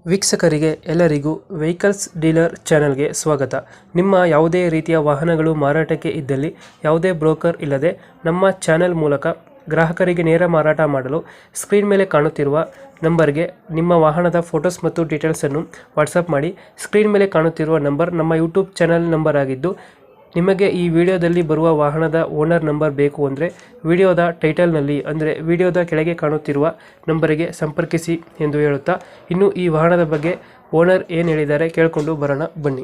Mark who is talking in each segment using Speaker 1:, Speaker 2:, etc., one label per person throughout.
Speaker 1: ವೀಕ್ಷಕರಿಗೆ ಎಲ್ಲರಿಗೂ vehicles dealer ಚಾನೆಲ್ಗೆ ಸ್ವಾಗತ. ನಿಮ್ಮ ಯಾವುದೇ ರೀತಿಯ ವಾಹನಗಳು ಮಾರಾಟಕ್ಕೆ ಇದ್ದಲ್ಲಿ ಯಾವುದೇ ಬ್ರೋಕರ್ ಇಲ್ಲದೆ ನಮ್ಮ ಚಾನೆಲ್ ಮೂಲಕ ಗ್ರಾಹಕರಿಗೆ ನೇರ ಮಾರಾಟ ಮಾಡಲು ಸ್ಕ್ರೀನ್ ಮೇಲೆ ಕಾಣುತ್ತಿರುವ ನಂಬರ್ಗೆ ನಿಮ್ಮ ವಾಹನದ ಫೋಟೋಸ್ ಮತ್ತು ಡೀಟೇಲ್ಸನ್ನು ವಾಟ್ಸಪ್ ಮಾಡಿ. ಸ್ಕ್ರೀನ್ ಮೇಲೆ ಕಾಣುತ್ತಿರುವ ನಂಬರ್ ನಮ್ಮ ಯೂಟ್ಯೂಬ್ ಚಾನೆಲ್ ನಂಬರ್ ಆಗಿದ್ದು, ನಿಮಗೆ ಈ ವಿಡಿಯೋದಲ್ಲಿ ಬರುವ ವಾಹನದ ಓನರ್ ನಂಬರ್ ಬೇಕು ಅಂದರೆ ವಿಡಿಯೋದ ಟೈಟಲ್ನಲ್ಲಿ ಅಂದರೆ ವಿಡಿಯೋದ ಕೆಳಗೆ ಕಾಣುತ್ತಿರುವ ನಂಬರಿಗೆ ಸಂಪರ್ಕಿಸಿ ಎಂದು ಹೇಳುತ್ತಾ, ಇನ್ನು ಈ ವಾಹನದ ಬಗ್ಗೆ ಓನರ್ ಏನು ಹೇಳಿದ್ದಾರೆ ಕೇಳಿಕೊಂಡು ಬರೋಣ ಬನ್ನಿ.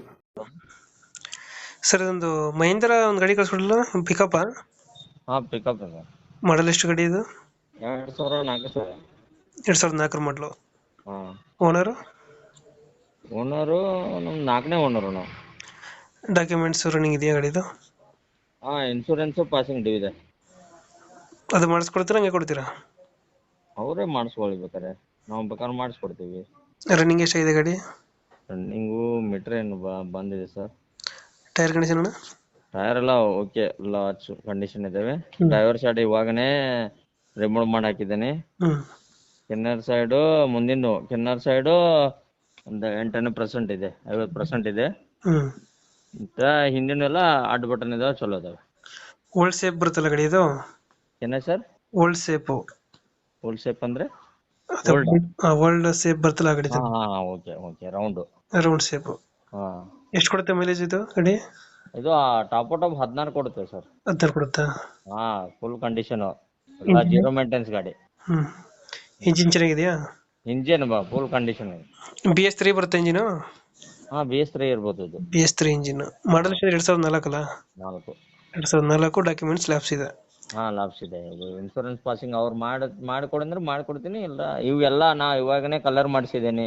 Speaker 1: ಸರ್, ಇದೊಂದು ಮಹೀಂದ್ರ ಒಂದು ಗಾಡಿ ಕಳಿಸ್ಕೊಡಲ್ಲ, ಪಿಕಪ್
Speaker 2: ಹಾಂ ಪಿಕಪ್ ಇದೆ.
Speaker 1: ಮಾಡಲ್ ಎಷ್ಟು ಗಾಡಿ ಇದು?
Speaker 2: 2004 ಸರ್.
Speaker 1: 2004 ಮಾಡಲು.
Speaker 2: ಹಾಂ
Speaker 1: ಓನರು
Speaker 2: ಓನರು ನಮ್ಮ 4ನೇ ಓನರು ನಾವು.
Speaker 1: ಡಾಕ್ಯುಮೆಂಟ್ಸ್ ರನ್ನಿಂಗ್ ಇದೆಯಾ ಗಾಡಿದು?
Speaker 2: ಹಾಂ ಇನ್ಶೂರೆನ್ಸು ಪಾಸಿಂಗ್ ಡ್ಯೂ ಇದೆ.
Speaker 1: ಅದು ಮಾಡಿಸ್ಕೊಡ್ತೀರಾ, ಹಂಗೆ ಕೊಡ್ತೀರಾ?
Speaker 2: ಅವರೇ ಮಾಡಿಸ್ಕೊಳ್ಬೇಕಾರೆ ನಾವು ಬೇಕಾದ್ರೆ ಮಾಡಿಸ್ಕೊಡ್ತೀವಿ.
Speaker 1: ರನ್ನಿಂಗ್ ಎಷ್ಟಾಗಿದೆ ಗಾಡಿ?
Speaker 2: ರನ್ನಿಂಗು ಮೀಟ್ರ್ ಏನು ಬಂದಿದೆ ಸರ್.
Speaker 1: ಟೈರ್ ಕಂಡೀಷನ್ ಅಣ್ಣ?
Speaker 2: ಟೈರ್ ಎಲ್ಲ ಓಕೆ, ಎಲ್ಲ ಕಂಡೀಷನ್ ಇದ್ದಾವೆ. ಡ್ರೈವರ್ ಸೈಡ್ ಇವಾಗನೇ ರಿಮೂವ್ ಮಾಡಿ ಹಾಕಿದ್ದೀನಿ. ಕಿನ್ನರ್ ಸೈಡು ಮುಂದಿನ ಕಿನ್ನರ್ ಸೈಡು ಒಂದು 8% ಇದೆ, 50% ಇದೆ. ಮತ್ತೆ ಹಿಂದಿನೆಲ್ಲ ಅಡ್ಡ ಬಟನ್ ಇದಾವೆ, ಚಲೋ ಇದಾವೆ.
Speaker 1: ಓಲ್ಡ್ ಶೇಪ್ ಬರುತ್ತಲ್ಲ ಗಾಡಿ ಇದು?
Speaker 2: ಏನ sir?
Speaker 1: Old shape.
Speaker 2: Old shape ಅಂದ್ರೆ
Speaker 1: ಓಲ್ಡ್ ಶೇಪ್ ಬರ್ತಲ್ಲ ಗಾಡಿ?
Speaker 2: Okay okay, round
Speaker 1: round shape.
Speaker 2: ಹಾಂ.
Speaker 1: ಎಷ್ಟು ಕೊಡುತ್ತೆ ಮೈಲೇಜ್ ಇದು ಗಾಡಿ?
Speaker 2: ಇದು ಟಾಪ್ 16 ಕೊಡುತ್ತೆ ಸರ್.
Speaker 1: 16 ಕೊಡುತ್ತಾ?
Speaker 2: ಹಾಂ, ಫುಲ್ ಕಂಡೀಷನು, ಎಲ್ಲ ಜೀರೋ ಮೇಂಟೆನೆನ್ಸ್ ಗಾಡಿ.
Speaker 1: ಇಂಜಿನ್ ಚೆನ್ನಾಗಿದೆಯಾ?
Speaker 2: ಇಂಜಿನ್ ಫುಲ್ ಕಂಡೀಷನ್ ಇದೆ.
Speaker 1: BS3 ಬರುತ್ತೆ ಇಂಜಿನು?
Speaker 2: ಹಾಂ, BS3 ಇರ್ಬೋದು ಇದು.
Speaker 1: BS3 engine. ಮಾಡಲ್ 2004 ಅಲ್ಲ?
Speaker 2: 4.
Speaker 1: 2004. ಡಾಕ್ಯುಮೆಂಟ್ಸ್ ಲ್ಯಾಪ್ಸ್ ಇದೆ?
Speaker 2: ಹಾಂ, ಲಾಬ್ಸ್ ಇದೆ. ಇದು ಇನ್ಶೂರೆನ್ಸ್ ಪಾಸಿಂಗ್ ಅವ್ರು ಮಾಡಿಕೊಡಿ ಅಂದ್ರೆ ಮಾಡಿಕೊಡ್ತೀನಿ. ಇಲ್ಲ ಇವೆಲ್ಲ ನಾ ಇವಾಗನೇ ಕಲರ್ ಮಾಡಿಸಿದ್ದೇನೆ.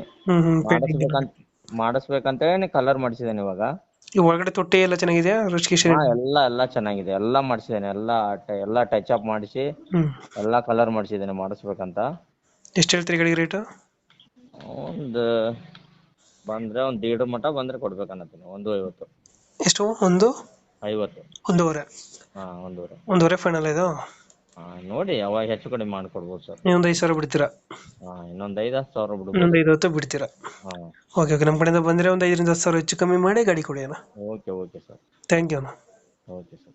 Speaker 2: ಮಾಡಿಸ್ಬೇಕಂತೇಳಿ ಕಲರ್ ಮಾಡಿಸಿದ್ದೇನೆ ಇವಾಗ.
Speaker 1: ಈ ಒಳಗಡೆ ತೊಟ್ಟಿ ಎಲ್ಲ ಚೆನ್ನಾಗಿದೆಯಾ?
Speaker 2: ಹಾಂ, ಎಲ್ಲ ಚೆನ್ನಾಗಿದೆ, ಎಲ್ಲ ಮಾಡಿಸಿದ್ದೇನೆ. ಎಲ್ಲ ಟಚ್ ಅಪ್ ಮಾಡಿಸಿ ಎಲ್ಲ ಕಲರ್ ಮಾಡಿಸಿದ್ದೇನೆ ಮಾಡಿಸ್ಬೇಕಂತ.
Speaker 1: ಎಷ್ಟು ಹೇಳ್ತೀರಿ ಗಾಡಿ ರೇಟು?
Speaker 2: ಒಂದು ಬಂದ್ರೆ ಒಂದು 1.5 ಮಟ ಬಂದ್ರೆ ಕೊಡ್ಬೇಕನ್ನತ್ತೀನಿ. 1.50.
Speaker 1: ಎಷ್ಟು? 1.50? 1.5.
Speaker 2: ಹಾಂ, 1.5.
Speaker 1: 1.5 ಫೈನಲ್ ಇದು?
Speaker 2: ಹಾಂ, ನೋಡಿ ಯಾವಾಗ ಹೆಚ್ಚು ಕಡಿಮೆ ಮಾಡ್ಕೊಡ್ಬೋದು ಸರ್.
Speaker 1: ನೀವು ಒಂದು 5,000 ಬಿಡ್ತೀರಾ?
Speaker 2: ಹಾಂ, ಇನ್ನೊಂದು 5-10 ಸಾವಿರ ಬಿಡ್ಬೋದು.
Speaker 1: ಇನ್ನೊಂದು 5,000 ಬಿಡ್ತೀರಾ?
Speaker 2: ಹಾಂ,
Speaker 1: ಓಕೆ ಓಕೆ. ನಮ್ಮ ಕಡೆಯಿಂದ ಬಂದರೆ ಒಂದು 5,000 10,000 ಹೆಚ್ಚು ಕಮ್ಮಿ ಮಾಡಿ ಗಾಡಿ ಕೊಡಿ ಅಣ್ಣ.
Speaker 2: Okay sir.
Speaker 1: ಥ್ಯಾಂಕ್ ಯು ಅಣ್ಣ.
Speaker 2: Okay sir.